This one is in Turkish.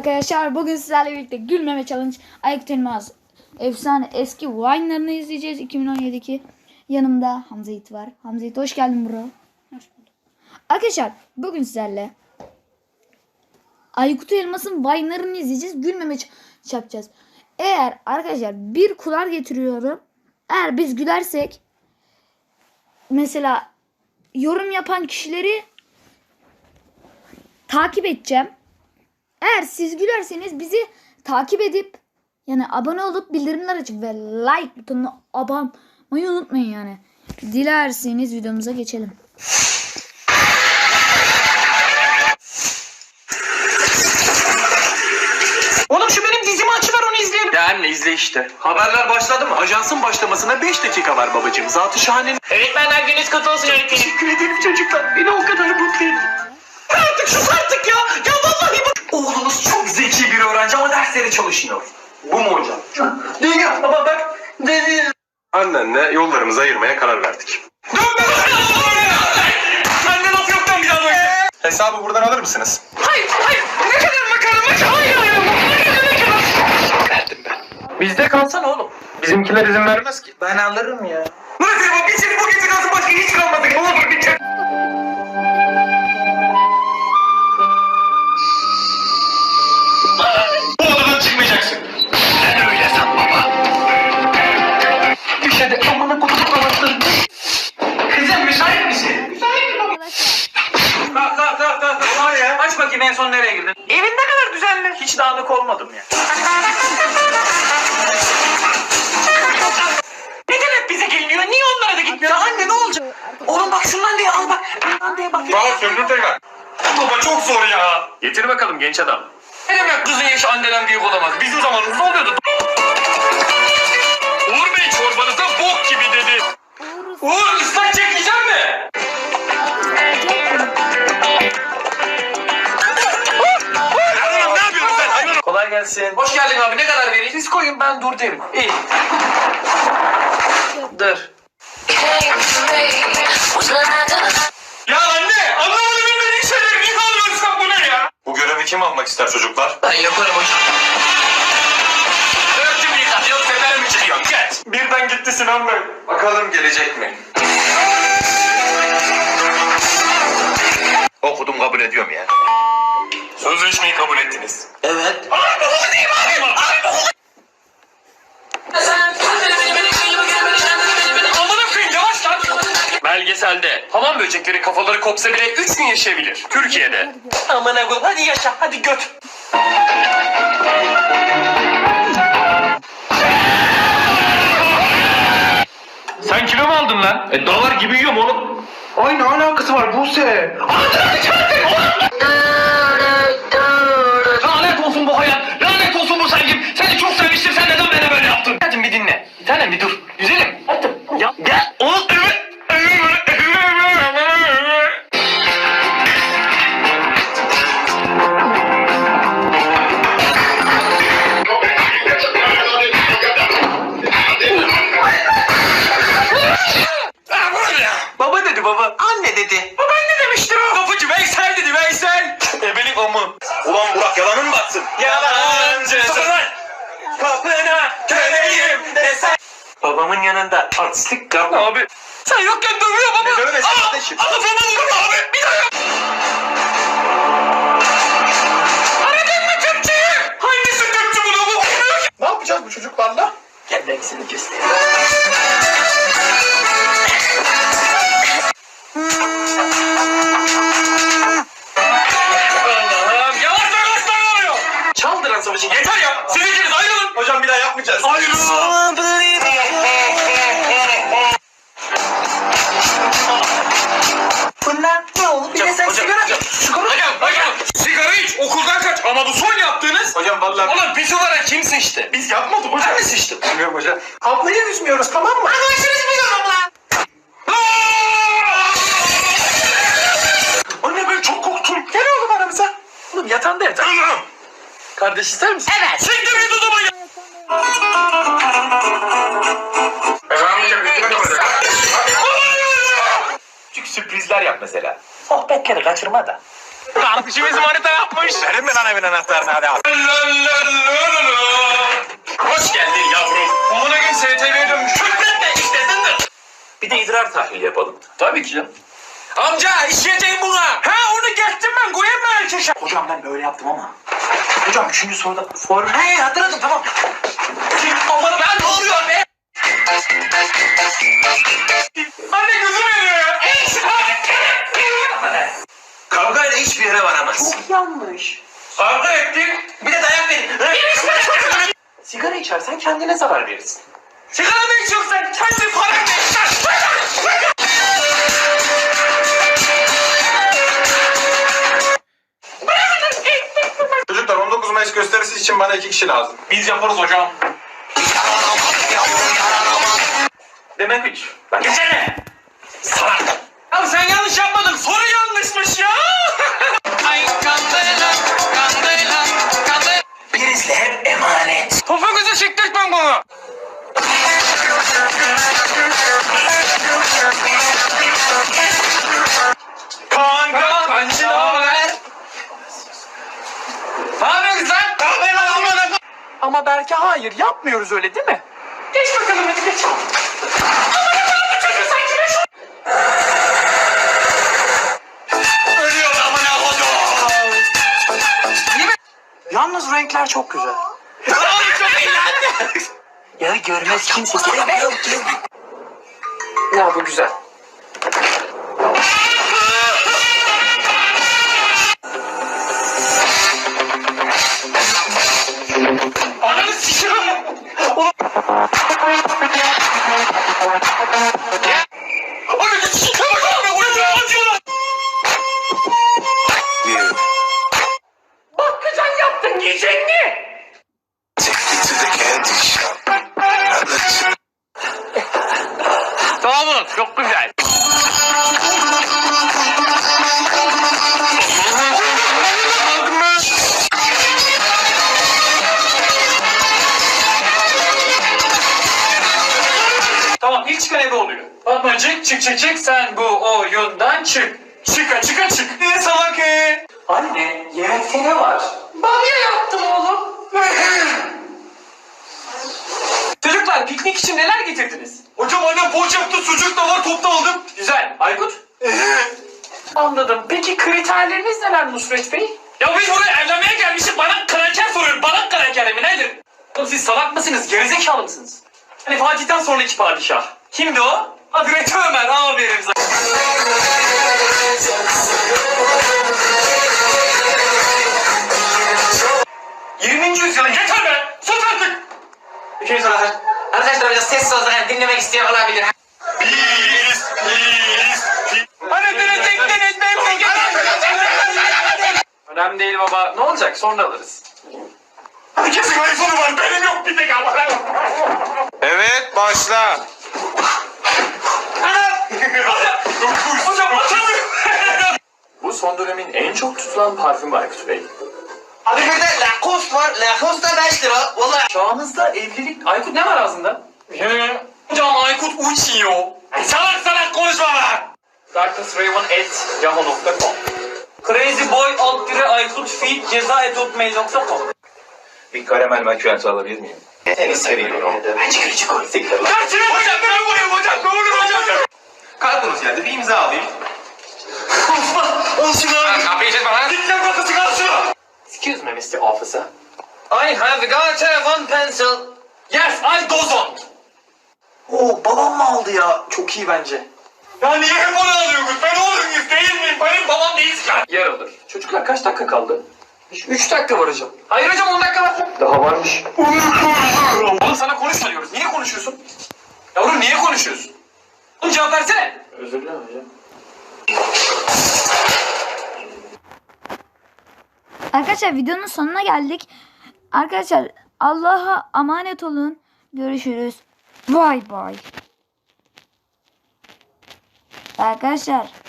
arkadaşlar, bugün sizlerle birlikte gülmeme challenge, Aykut Elmas efsane eski Vine'larını izleyeceğiz. 2017'deki yanımda Hamza Yiğit var. Hamza Yiğit, hoş geldin bro. Hoş bulduk. Arkadaşlar bugün sizlerle Aykut Elmas'ın Vine'larını izleyeceğiz. Gülmeme yapacağız. Eğer arkadaşlar bir kular getiriyorum. Eğer biz gülersek, mesela yorum yapan kişileri takip edeceğim. Eğer siz gülerseniz bizi takip edip yani abone olup bildirimler açıp ve like butonuna abone olmayı unutmayın yani. Dilerseniz videomuza geçelim. Oğlum şu benim dizimi açıver, onu izleyelim. Ya anne izle işte. Haberler başladı mı? Ajansın başlamasına 5 dakika var babacığım. Zatı şahanenin... Öğretmenler gününüz kutlu olsun öğretmenim. Teşekkür ederim çocuklar. Beni o kadar mutlu edin. Artık sus artık ya. Ya vallahi bu. Oğlunuz çok zeki bir öğrenci ama dersleri çalışmıyor. Bu mu hocam? Değil ama bak. Değil. Annenle yollarımızı ayırmaya karar verdik. Sende laf yoktan bir daha böyle. Hesabı buradan alır mısınız? Hayır. Ne kadar makarna. Hayır. Verdim ben. Bizde kalsana oğlum. Bizimkiler izin vermez ki. Ben alırım ya. Nasıl bu? Bir seni bu gece kalsın, başka hiç kalmadı. Ne olur bir kere. Bu odadan çıkmayacaksın. Sen öyle san baba. Düşede amına kutup kalasın. Kızım müsait misin? Kalk. Olay ya. Aç bakayım, en son nereye girdin? Evin ne kadar düzenli. Hiç dağınık olmadım ya. Neden hep bize geliniyor? Niye onlara da gitmiyor? Anne ne olacak? Oğlum bak şundan diye al bak. Bundan diye bak. Daha söndür tekrar. Baba çok zor ya. Getir bakalım genç adam. Ne demek kızın yaşı anneden büyük olamaz? Bizim zamanımızda oluyordu. Uğur Bey çorbanıza bok gibi dedi. Uğur ıslak çekeceğim mi? Hanım ne yapıyorsun sen? Hayır. Kolay gelsin. Hoş geldin abi. Ne kadar vereyim? Siz koyun, ben dur derim. İyi. Dur. Ya anne anlamadı bilmediğin şeyleri niye kaldırıyorsun, bu ne ya? Bu görevi kim almak ister çocuklar? Ben yaparım hocam. Örtümü yıkatıyor, teperimi çekiyor. Geç. Birden gitti Sinan Bey. Bakalım gelecek mi? Okudum, kabul ediyorum ya. Sözleşmeyi kabul ettiniz. Evet. Amına koyayım, yavaş lan. Belgeselde hamam böcekleri kafaları kopsa bile 3 gün yaşayabilir. Türkiye'de. Amına koyayım. Hadi yaşa. Hadi göt. Sen kilo mu aldın lan? Davar gibi yiyorum oğlum. Ay ne alakası var Buse? Lanet olsun bu hayat. Lanet olsun bu sevgim. Seni çok sevmiştim. Sen neden bana böyle yaptın? Hadi bir dinle. Bir tanem bir dur. Güzelim. Hadi. Ya gel. Oğlum. Baba dedi baba. Anne dedi. Baba ne demiştir o? Kapıcı Veysel dedi, Veysel. Ebelik o mu? Ulan Burak yalanın mı batsın? Yalancı. Kapına köleyim desen. Babamın yanında artistlik yapma. Abi. Sen yokken dövüyor baba. Ne dövmesi kardeşim? Kafama vurma abi. Bir daha yap. Aradın mı Türkçeyi? Hangisi Türkçe bunu? Bu olmuyor ki. Ne yapacağız bu çocuklarla? Gel hepsini göster. Allah'ım. Yavaş ne oluyor? Çaldıran savaşı. Yeter ya. Siz ikiniz ayrılın. Hocam bir daha yapmayacağız. Ayrılın. Bunlar ne oldu? Bir de sen sigara iç. Hocam. Sigara iç. Okuldan kaç. Ama bu son yaptığınız. Hocam vallahi Ulan pis olarak kim sıçtı? biz yapmadık hocam. Ben mi sıçtım? Bilmiyorum hocam. Ablayı üzmüyoruz, tamam mı? Anlaşırız biz onunla. Anne ben çok korktum. Gel oğlum aramıza. Oğlum yatağında yat. Kardeş ister misin? Evet. Siktir git odama ya. Küçük sürprizler yap mesela. Sohbetleri kaçırma da. Kardeşimiz manita yapmış. Verin mi lan evin anahtarını hadi abi. Hoş geldin yavrum. Amına gün STV'ye dönmüş. Şükretme işlesindir. Bir de idrar tahlili yapalım. Tabii ki canım. Amca işleyeceğim buna. Ha onu geçtim ben koyayım mı erkeşe? Hocam ben böyle yaptım ama. Hocam 3. soruda form. He hatırladım tamam. Aman lan ne oluyor be? Anne gözüm yanıyor ya. Kavgayla hiçbir yere varamaz. Çok yanlış. Kavga ettik. Bir de dayak verin. Sigara içersen kendine zarar verirsin. Sigara mı içiyorsun sen? Kendi paranla içeceksin. Çocuklar 19 Mayıs gösterisi için bana 2 kişi lazım. Biz yaparız hocam. Demek hiç. Lan geçene. Salak. Ya sen yanlış yapmadın. Soru yanlışmış ya. Ay kandela, kandela, kandela. Birizle hep emanet. Topuğunuzu çıktırtmam bunu. Kanka, kancı ne haber? Ne yapıyorsun lan? Ama belki hayır yapmıyoruz öyle değil mi? Geç bakalım hadi geç. Ölüyor amına kodum. Yalnız renkler çok güzel. Oğlum çok eğlendi. Ya görmez kimse sevmiyor ki. Ya bu güzel. Ananı sikiyorum. Oğlum. Ananı sikiyorum. Acıyorlar. Bakkacan yaptın yiyecek mi? Tamam çok güzel. Tamam ilk çıkan ebe oluyor. Fatmacık çık çık çık sen bu oyundan çık. Çıka çıka çık. Ne salak Anne yemekte ne var? Bamya yaptım oğlum. Çocuklar piknik için neler getirdiniz? Hocam annem poğaça yaptı, sucuk da var, topta aldım. Güzel. Aykut? Anladım. Peki kriterleriniz neler Nusret Bey? Ya biz buraya evlenmeye gelmişiz. Bana kraker soruyor. Bana kraker mi nedir? Oğlum siz salak mısınız? Gerizekalı mısınız? Hani Fatih'ten sonraki padişah. Kimdi o? Hazreti Ömer. Aferin sana. 20. yüzyılın yeter be! Sus artık! İkinci soru hazır. Arkadaşlar biraz sessiz olsun yani dinlemek isteyen olabilir. Pis! Anasını çektiniz önemli değil baba. Ne olacak? Sonra alırız. Herkesin iPhone'u var. Benim yok bir tek ama. Evet başla. Hocam açamıyorum. Bu son dönemin en çok tutulan parfümü Aykut Bey. Abi bir de Lacoste var. Lacoste da 5 lira. Vallahi. Çağımızda evlilik... Aykut ne var ağzında? Hocam Aykut uçuyor. Salak salak konuşma lan. darknessraven@yahoo.com crazyboy@aykutfeed.ceza@hotmail.com. Bir karamel makyajı alabilir miyim? Seni seviyorum. Bence küçük ol. Kaçırın hocam ben vurayım hocam. Ne olur hocam. Kartınız geldi bir imza alayım. Al şunu abi. Kapıyı çekme lan. Git lan kafası al şunu. Excuse me Mr. Officer. I have got a one pencil. Yes, I don't. Oo babam mı aldı ya? Çok iyi bence. Ya niye hep onu alıyorsunuz? Ben oğlum değil miyim? Benim babam değilsin. Yer alır. Çocuklar kaç dakika kaldı? 3 dakika var hocam. Hayır hocam 10 dakika var. Daha varmış. Oğlum sana konuşma diyoruz. Niye konuşuyorsun? Yavrum niye konuşuyorsun? Oğlum cevap versene. Özür dilerim hocam. Arkadaşlar videonun sonuna geldik. Arkadaşlar Allah'a emanet olun. Görüşürüz. Bye bye. Arkadaşlar